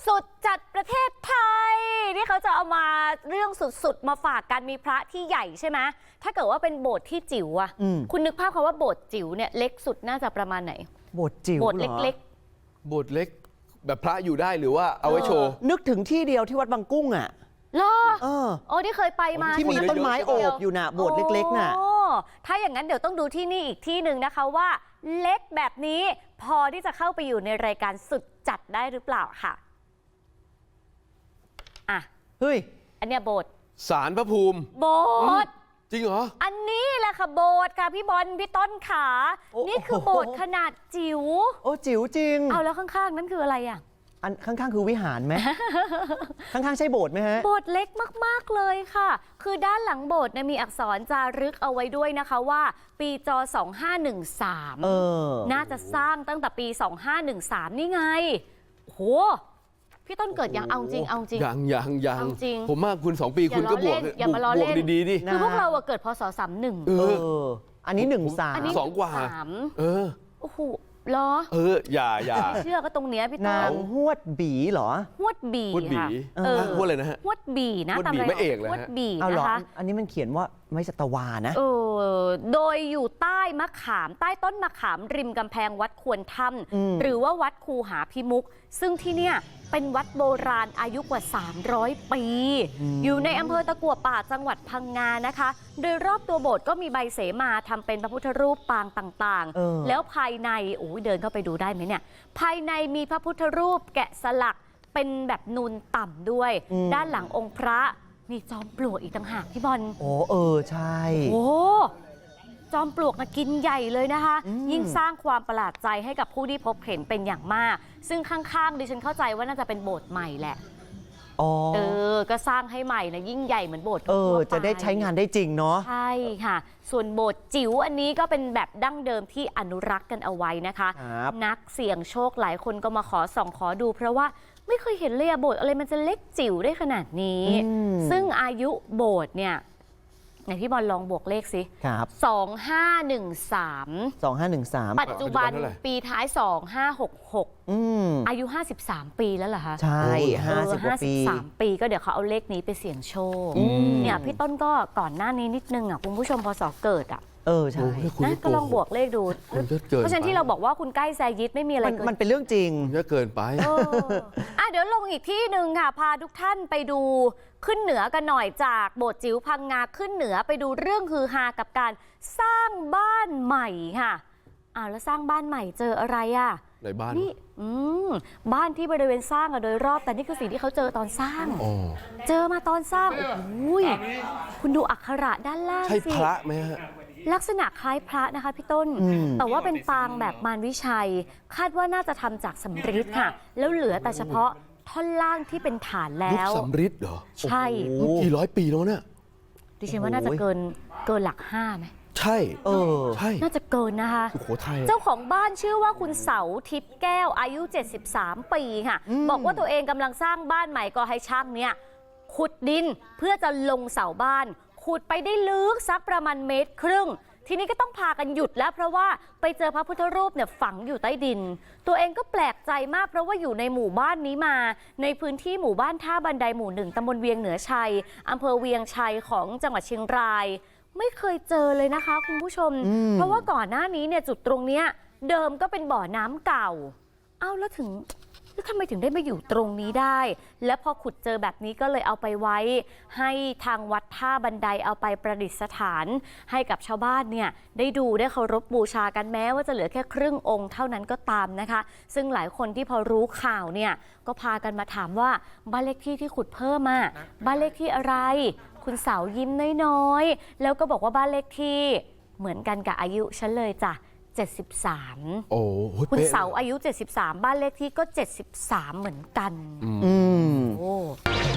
สุดจัดประเทศไทยนี่เขาจะเอามาเรื่องสุดๆมาฝากกันมีพระที่ใหญ่ใช่ไหมถ้าเกิดว่าเป็นโบสถ์ที่จิ๋วอะคุณนึกภาพคำว่าโบสถ์จิ๋วเนี่ยเล็กสุดน่าจะประมาณไหนโบสถ์จิ๋วโบสถ์เล็กๆโบสถ์เล็กแบบพระอยู่ได้หรือว่าเอาไว้โชว์นึกถึงที่เดียวที่วัดบางกุ้งอ่ะเหรอโอ้ที่เคยไปมาที่มีต้นไม้โอบอยู่น่ะโบสถ์เล็กๆน่ะถ้าอย่างนั้นเดี๋ยวต้องดูที่นี่อีกที่หนึ่งนะคะว่าเล็กแบบนี้พอที่จะเข้าไปอยู่ในรายการสุดจัดได้หรือเปล่าค่ะเฮ้ยอันเนี้ยโบสถ์ศาลพระภูมิโบสถ์จริงเหรออันนี้แหละค่ะโบสถ์ค่ะพี่บอลพี่ต้นขานี่คือโบสถ์ขนาดจิ๋วโอ้จิ๋วจริงเอาแล้วข้างๆนั่นคืออะไรอ่ะอันข้างๆคือวิหารไหม ข้างๆใช่โบสถ์ไหมฮะโบสถ์เล็กมากๆเลยค่ะคือด้านหลังโบสถ์มีอักษรจารึกเอาไว้ด้วยนะคะว่าปีจ2513น่าจะสร้างตั้งแต่ปี2513นี่ไงโหพี่ต้นเกิดยังเอาจริงยังผมมากคุณ2 ปีคุณก็บวกอย่ามาล้อเล่นดีๆดิคือพวกเราเกิดพศ31 อันนี้13 อันนี้ 2 กว่าโอ้โหเหรออย่าเชื่อก็ตรงเนี้ยพี่ต้นนางฮวดบีเหรอฮวดบีค่ะฮวดอะไรนะฮะฮวดบีนะฮวดบีไม่เอกเลยฮะฮวดบีนะคะอันนี้มันเขียนว่าไม่สัตวานะโดยอยู่ใต้มะขามใต้ต้นมะขามริมกำแพงวัดควรถ้ำหรือว่าวัดคูหาพิมุกซึ่งที่เนี่ยเป็นวัดโบราณอายุกว่า300 ปีอยู่ในอำเภอตะกั่วป่าจังหวัดพังงานะคะโดยรอบตัวโบสถ์ก็มีใบเสมาทำเป็นพระพุทธรูปปางต่างๆแล้วภายในเดินเข้าไปดูได้ไหมเนี่ยภายในมีพระพุทธรูปแกะสลักเป็นแบบนูนต่ำด้วยด้านหลังองค์พระมีจอมปลวกอีกต่างหากพี่บอลใช่จอมปลวกนะกินใหญ่เลยนะคะยิ่งสร้างความประหลาดใจให้กับผู้ที่พบเห็นเป็นอย่างมากซึ่งข้างๆดิฉันเข้าใจว่าน่าจะเป็นโบสถ์ใหม่แหละก็สร้างให้ใหม่นะยิ่งใหญ่เหมือนโบสถ์จะได้ใช้งานได้จริงเนาะใช่ค่ะส่วนโบสถ์จิ๋วอันนี้ก็เป็นแบบดั้งเดิมที่อนุรักษ์กันเอาไว้นะคะนักเสี่ยงโชคหลายคนก็มาขอส่องขอดูเพราะว่าไม่เคยเห็นเลยโบสถ์อะไรมันจะเล็กจิ๋วได้ขนาดนี้ซึ่งอายุโบสถ์เนี่ยไหนพี่บอลลองบวกเลขสิครับ 2513ปัจจุบันปีท้าย2566อายุ53 ปีแล้วเหรอคะใช่ 53 ปีก็เดี๋ยวเขาเอาเลขนี้ไปเสี่ยงโชคเนี่ยพี่ต้นก็ก่อนหน้านี้นิดนึงคุณผู้ชมพศเกิดใช่นะก็ลองบวกเลขดูเพราะฉะนั้นที่เราบอกว่าคุณใกล้แซยิดไม่มีอะไรมันเป็นเรื่องจริงเยอะเกินไปเดี๋ยวลงอีกที่หนึ่งค่ะพาทุกท่านไปดูขึ้นเหนือกันหน่อยจากโบสถ์จิ๋วพังงาขึ้นเหนือไปดูเรื่องฮือฮากับการสร้างบ้านใหม่ค่ะแล้วสร้างบ้านใหม่เจออะไรในบ้านนี่บ้านที่บริเวณสร้างโดยรอบแต่นี่คือสิ่งที่เขาเจอตอนสร้างเจอมาตอนสร้างคุณดูอักขระด้านล่างสิใช่พระไหมฮะลักษณะคล้ายพระนะคะพี่ต้นแต่ว่าเป็นปางแบบมารวิชัยคาดว่าน่าจะทำจากสำริดค่ะแล้วเหลือแต่เฉพาะท่อนล่างที่เป็นฐานแล้วยุคสำริดเหรอใช่กี่ร้อยปีแล้วเนี่ยดิฉันว่าน่าจะเกินหลัก5ไหมใช่ใช่น่าจะเกินนะคะสุโขทัยเจ้าของบ้านชื่อว่าคุณเสาทิพย์แก้วอายุ73 ปีค่ะบอกว่าตัวเองกำลังสร้างบ้านใหม่ก็ให้ช่างเนี่ยขุดดินเพื่อจะลงเสาบ้านขุดไปได้ลึกสักประมาณ1.5 เมตรทีนี้ก็ต้องพากันหยุดแล้วเพราะว่าไปเจอพระพุทธรูปเนี่ยฝังอยู่ใต้ดินตัวเองก็แปลกใจมากเพราะว่าอยู่ในหมู่บ้านนี้มาในพื้นที่หมู่บ้านท่าบันไดหมู่1ตำบลเวียงเหนือชัยอำเภอเวียงชัยของจังหวัดเชียงรายไม่เคยเจอเลยนะคะคุณผู้ชมเพราะว่าก่อนหน้านี้เนี่ยจุดตรงเนี้ยเดิมก็เป็นบ่อน้ำเก่าแล้วทำไมถึงได้มาอยู่ตรงนี้ได้และพอขุดเจอแบบนี้ก็เลยเอาไปไว้ให้ทางวัดท่าบันไดเอาไปประดิษฐานให้กับชาวบ้านเนี่ยได้ดูได้เคารพบูชากันแม้ว่าจะเหลือแค่ครึ่งองค์เท่านั้นก็ตามนะคะซึ่งหลายคนที่พอรู้ข่าวเนี่ยก็พากันมาถามว่าบ้านเลขที่ที่ขุดเพิ่มบ้านเลขที่อะไรคุณเสายิ้มน้อยๆแล้วก็บอกว่าบ้านเลขที่เหมือนกันกับอายุฉันเลยจ้ะ73คุณเสาอายุ73บ้านเลขที่ก็73เหมือนกันโอ้